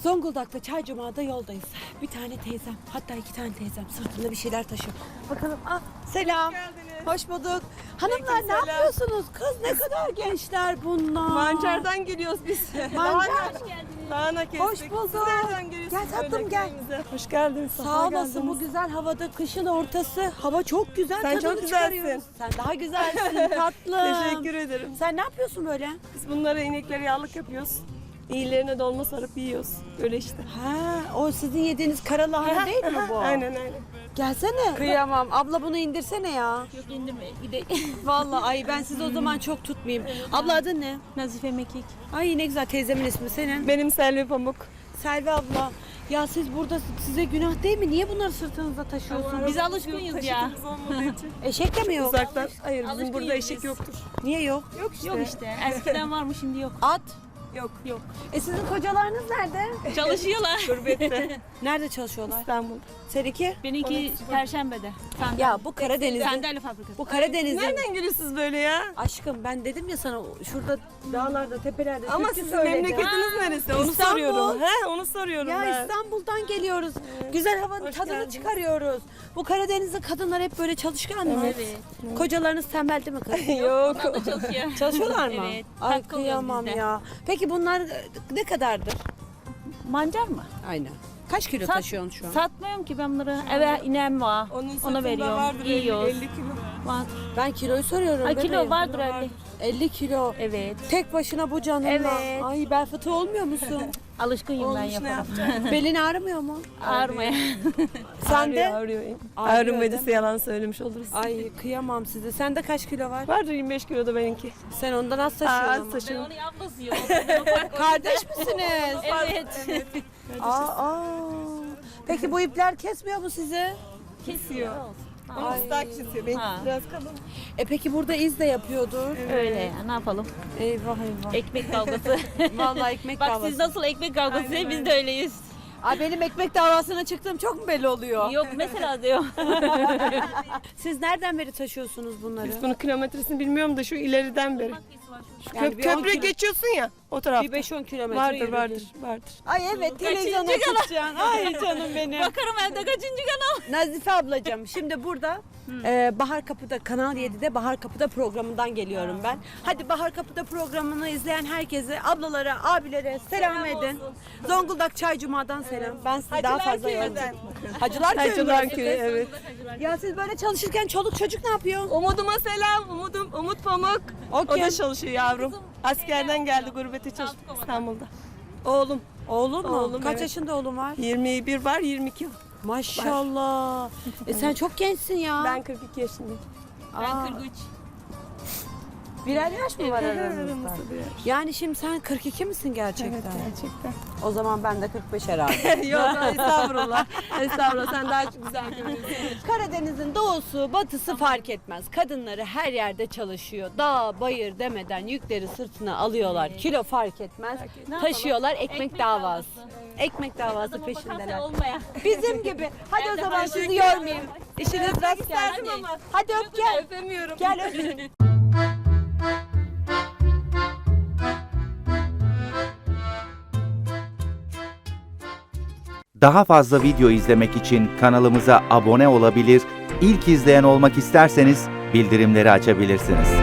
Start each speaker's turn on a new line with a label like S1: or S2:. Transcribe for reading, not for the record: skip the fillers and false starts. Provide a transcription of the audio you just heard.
S1: Zonguldak'ta Çaycuma'da yoldayız. Bir tane teyzem, hatta 2 tane teyzem sırtında bir şeyler taşıyor. Bakalım. Selam. Hoş bulduk. Hanımlar ne yapıyorsunuz? Kız ne kadar gençler bunlar.
S2: Mancar'dan geliyoruz biz.
S1: Mancar.
S2: Dağına kestik.
S1: Hoş bulduk.
S2: Siz nereden geliyorsunuz?
S1: Gel tatlım, gel.
S2: Köyümüze? Hoş geldin.
S1: Sağ olasın, bu güzel havada, kışın ortası. Hava çok güzel.
S2: Sen
S1: tadını
S2: çok güzelsin.
S1: çıkarıyoruz. Sen daha güzelsin tatlım.
S2: Teşekkür ederim.
S1: Sen ne yapıyorsun böyle?
S2: Biz bunlara ineklere yağlık yapıyoruz. İyilerine dolma sarıp yiyoruz. Öyle işte.
S1: Ha, o sizin yediğiniz kara lahana değil mi bu?
S2: Aynen aynen.
S1: Gelsene. Kıyamam. Abla bunu indirsene ya.
S3: Yok indirme.
S1: Vallahi ay ben sizi o zaman çok tutmayayım. Abla adın ne?
S3: Nazife Mekik.
S1: Ay ne güzel, teyzemin ismi senin.
S2: Benim Selvi Pamuk.
S1: Selvi abla. Ya siz burada, size günah değil mi? Niye bunları sırtınızda taşıyorsunuz?
S3: Biz alışkınız ya.
S2: Taşıtımız olmadığı için.
S1: Eşek de mi yok?
S2: Uzaktan. Hayır bizim
S3: Alışkın
S2: burada
S3: değiliz.
S2: eşek yoktur.
S1: Niye yok?
S2: Yok işte.
S3: Yok işte. Eskiden varmış şimdi yok.
S1: At.
S2: Yok.
S3: Yok.
S1: Sizin kocalarınız nerede?
S3: Çalışıyorlar.
S2: Gurbette.
S1: Nerede çalışıyorlar?
S2: İstanbul.
S1: Seninki?
S3: Benimki Perşembe'de.
S1: Ya bu Karadeniz'de.
S3: Sandalye fabrikası.
S1: Bu Karadeniz'de.
S2: Nereden geliyorsunuz böyle ya?
S1: Aşkım ben dedim ya sana, şurada dağlarda, tepelerde
S2: Ama
S1: türkü
S2: sizin
S1: söyleyeceğim.
S2: memleketiniz neresi? Onu
S1: İstanbul.
S2: soruyorum. He, onu soruyorum
S1: Ya
S2: ben.
S1: İstanbul'dan geliyoruz. Güzel havanın
S2: Hoş
S1: tadını
S2: geldiniz.
S1: çıkarıyoruz. Bu Karadeniz'de kadınlar hep böyle çalışkan mı?
S3: Evet.
S1: Kocalarınız tembel değil mi kız?
S2: Yok.
S3: O da çalışıyor.
S1: Çalışıyorlar mı?
S3: Evet.
S1: Ay
S3: Katkı alıyoruz
S1: kıyamam
S3: biz de.
S1: ya. Peki bunlar ne kadardır?
S3: Mancar mı?
S1: Aynen. Kaç kilo
S3: Sat-
S1: taşıyorsun şu an?
S3: Satmıyorum ki ben bunları. Eve inem var.
S2: Onun
S3: Ona
S2: sırtında
S3: veriyorum.
S2: vardır 50
S3: Yiyoruz.
S2: kilo.
S3: Var.
S1: Ben kiloyu soruyorum.
S3: Ay, kilo
S1: bebeğim.
S3: vardır 50.
S1: 50 kilo.
S3: Evet.
S1: Tek başına bu canınla.
S3: Evet.
S1: Ay bel fıtığı olmuyor musun?
S3: Alışkınım ben
S2: Olmuş ne
S3: yaparım.
S2: yapacağım?
S1: Belin ağrımıyor mu?
S3: Ağrımaya.
S1: Sen de?
S2: Ağrıyor.
S1: Ağrıyor,
S2: Ağrımediyse yalan söylemiş oluruz.
S1: Ay kıyamam size. Sende kaç kilo var?
S2: Vardır 25 kilo da benimki.
S1: Sen ondan az
S2: Aa,
S1: taşıyorsun
S2: az
S1: ama.
S2: taşıyorum.
S3: Onu ablası yiyor.
S1: Kardeş misiniz?
S3: Evet.
S1: Aa. Peki bu ipler kesmiyor mu sizi?
S3: Kesiyor.
S2: Ama
S1: Ay.
S2: ıslah kesiyor. Benimki
S3: Ha.
S2: biraz kalın.
S1: Peki burada iz de yapıyordur.
S3: Öyle ya. Ne yapalım?
S1: Eyvah eyvah.
S3: Ekmek kavgası.
S1: Vallahi ekmek
S3: Bak
S1: davası.
S3: siz nasıl ekmek kavgası biz de öyleyiz.
S1: Ay benim ekmek davasına çıktığım çok mu belli oluyor?
S3: Yok mesela diyor.
S1: Siz nereden beri taşıyorsunuz bunları?
S2: Biz bunun kilometresini bilmiyorum da şu ileriden beri.
S1: Yani bir 10
S2: Köprü
S1: kilo-
S2: geçiyorsun ya o tarafta.
S1: Bir 5-10 kilometre
S2: Vardır
S1: yürüdün.
S2: vardır vardır.
S1: Ay evet, televizyona
S3: Kaçıncı kanal?
S1: çıkacaksın. Ay canım benim.
S3: Bakarım evde kaçıncı kanal.
S1: Nazife ablacığım, şimdi burada Bahar Kapı'da, Kanal 7'de Bahar Kapı'da programından geliyorum ben. Hadi Bahar Kapı'da programını izleyen herkese, ablalara, abilere selam edin. Zonguldak Çaycuma'dan selam. Ben sizi daha fazla yormayayım. Hacılar
S2: Hacılar
S1: Köyü.
S2: köyü evet.
S1: Ya siz böyle çalışırken çoluk çocuk ne yapıyor?
S2: Umuduma selam. Umut Pamuk. O
S1: kim?
S2: da çalışıyor yavrum. Askerden geldi gurbete çalıştı İstanbul'da. Oğlum.
S1: Oğlum mu?
S2: Oğlum,
S1: Kaç
S2: evet.
S1: yaşında oğlum var?
S2: 21 var 22 var.
S1: Maşallah. Sen çok gençsin ya.
S2: Ben 42 yaşındayım.
S1: Aa,
S3: 43.
S1: birer yaş mı var aranızda?
S2: Aramızda bir yaş.
S1: Yani şimdi sen 42 misin gerçekten?
S2: Evet gerçekten.
S1: O zaman ben de 45 herhalde.
S2: Yok estağfurullah. Estağfurullah sen daha güzel görünüyorsun.
S1: Karadeniz'in doğusu, batısı fark etmez. Kadınları her yerde çalışıyor. Dağ, bayır demeden yükleri sırtına alıyorlar. Kilo fark etmez. Taşıyorlar ekmek davası. Ekmek davası peşindeler.
S3: Olmaya.
S1: Bizim gibi. Hadi o zaman sizi yormayayım. İşiniz rast gelsin. Hadi öp gel.
S2: Öpemiyorum.
S1: Gel öp.
S4: Daha fazla video izlemek için kanalımıza abone olabilir, ilk izleyen olmak isterseniz bildirimleri açabilirsiniz.